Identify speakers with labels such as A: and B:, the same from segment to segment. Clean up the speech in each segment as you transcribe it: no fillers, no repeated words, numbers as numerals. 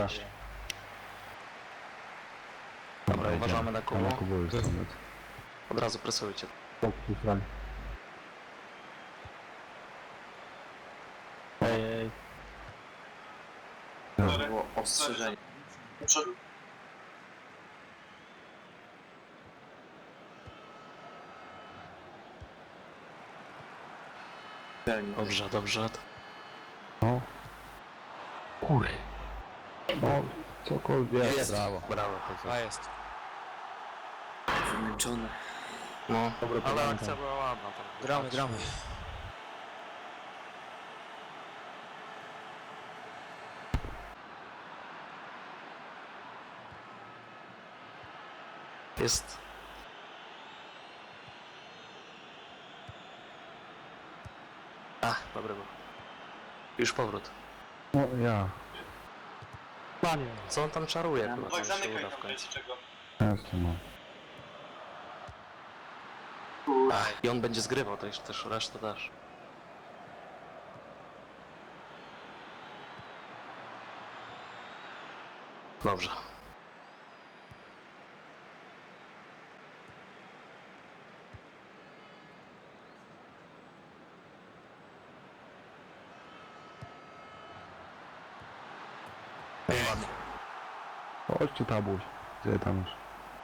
A: Dobra, uważamy na koło.
B: Już
A: Od razu presujcie.
C: Ej.
A: Było ostrzeżenie.
D: Do przodu.
A: Dobrze, dobrze.
B: No. Kur... No, cokolwiek.
A: Jest.
C: Brawo.
A: Brawo.
C: A jest.
A: Wymęczony. No, ale akcja była ładna. Tam.
C: Gramy, gramy.
A: Jest. A, dobry był. Już powrót.
B: No ja.
A: Co on tam czaruje? Chyba
D: Oj,
A: tam się
D: zamykaj
A: uda w
D: tam,
A: końcu.
D: wiecie czego.
B: Często mam.
A: I on będzie zgrywał, to jeszcze też resztę dasz. Dobrze. Ładnie.
B: Chodź tu, tabuś. Gdzie tam już?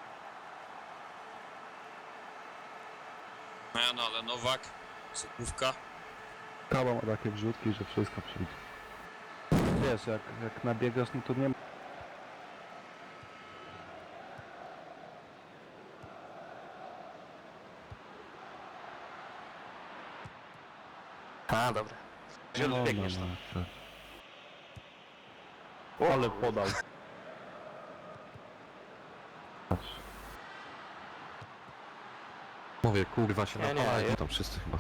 E: No ale Nowak, Sokówka.
B: Kawa ma takie wrzutki, że wszystko przyjdzie. Wiesz, jak nabiegasz, no to nie ma...
A: A, dobra. Gdzie biegniesz tam?
B: Ale podał. Patrz.
C: Mówię, kurwa się
A: Nie,
C: napalają
A: nie.
C: tam wszyscy chyba.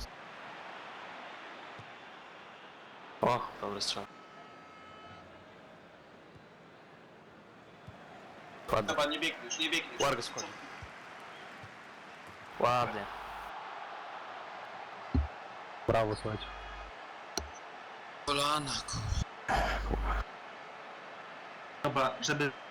A: O, dobry strzał. Ładnie.
D: Dobra, nie biegniesz, nie biegniesz.
A: Ładnie schodzi. Ładnie.
B: Brawo, słuchajcie.
E: Kolana,
D: Dobra, żeby